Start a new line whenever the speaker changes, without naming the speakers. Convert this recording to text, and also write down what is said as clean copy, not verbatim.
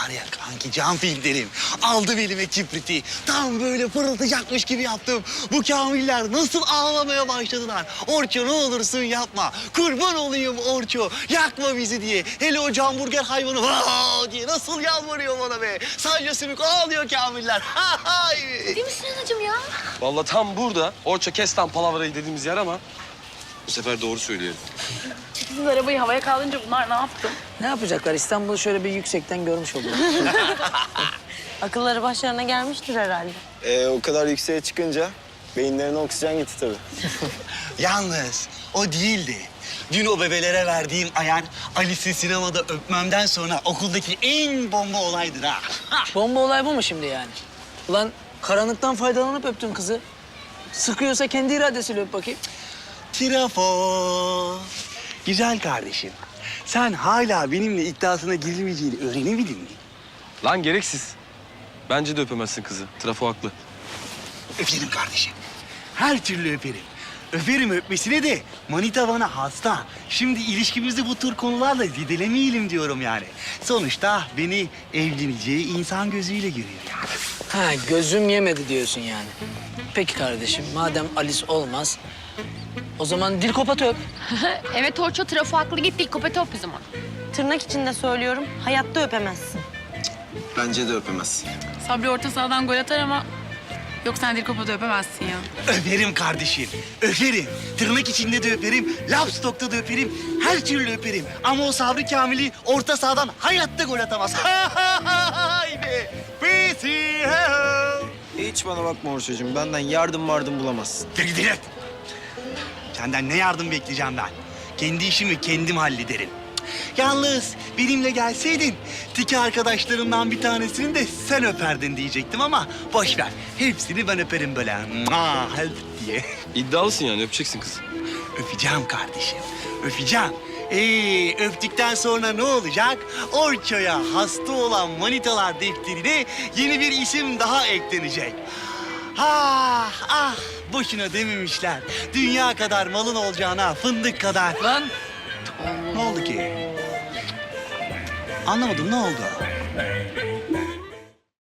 Var ya kanki can filmlerim. Aldım elime kibriti. Tam böyle fırlatacakmış gibi yaptım. Bu kamiller nasıl ağlamaya başladılar. Orço ne olursun yapma. Kurban olayım Orço. Yakma bizi diye. Hele o hamburger hayvanı vaa diye nasıl yalvarıyor bana be. Sadece sümük ağlıyor kamiller.
Değil misin anacığım ya?
Vallahi tam burada Orça Kestan Palavra'yı dediğimiz yer ama bu sefer doğru söyleyelim.
Sizin arabayı havaya kaldırınca bunlar ne yaptı?
Ne yapacaklar? İstanbul'u şöyle bir yüksekten görmüş oluyor.
Akılları başlarına gelmiştir herhalde.
O kadar yükseğe çıkınca beyinlerine oksijen gitti tabii.
Yalnız o değildi. Dün o bebelere verdiğim ayar Alice'i sinemada öpmemden sonra okuldaki en bomba olaydır ha.
Bomba olay bu mu şimdi yani? Ulan karanlıktan faydalanıp öptün kızı. Sıkıyorsa kendi iradesiyle öp bakayım.
Trafo. Güzel kardeşim. Sen hala benimle iddiasına girilmeyeceğini öğrenemedin mi?
Lan gereksiz. Bence de öpemezsin kızı. Trafo haklı.
Öperim kardeşim. Her türlü öperim. Öperim öpmesine de manita bana hasta. Şimdi ilişkimizi bu tür konularla zedelemeyelim diyorum yani. Sonuçta beni evleneceği insan gözüyle görüyor yani.
Ha, gözüm yemedi diyorsun yani. Peki kardeşim, madem Alice olmaz, o zaman dil kopat öp.
Evet Orço trafo haklı. Git dik kopete öp o zaman.
Tırnak içinde söylüyorum, hayatta öpemezsin.
Bence de öpemez.
Sabri orta sahadan gol atar ama yok sen Dirkopa'da öpemezsin ya.
Öperim kardeşim, öperim. Tırnak içinde de öperim, lap stokta da öperim, her türlü öperim. Ama o Sabri Kamil'i orta sahadan hayatta gol atamaz. Haydi, pisi,
Hiç bana bakma Orçacığım. Benden yardım bulamazsın.
Direkt. Senden ne yardım bekleyeceğim ben? Kendi işimi kendim hallederim. Yalnız benimle gelseydin tiki arkadaşlarımdan bir tanesini de sen öperdin diyecektim ama boş ver. Hepsini ben öperim böyle diye.
İddialısın yani öpeceksin kızı.
Öpeceğim kardeşim, öpeceğim. Öptükten sonra ne olacak? Orço'ya hasta olan manitalar defterine yeni bir isim daha eklenecek. Ah, boşuna dememişler. Dünya kadar malın olacağına fındık kadar.
Lan
Ne oldu ki? Anlamadım, ne oldu?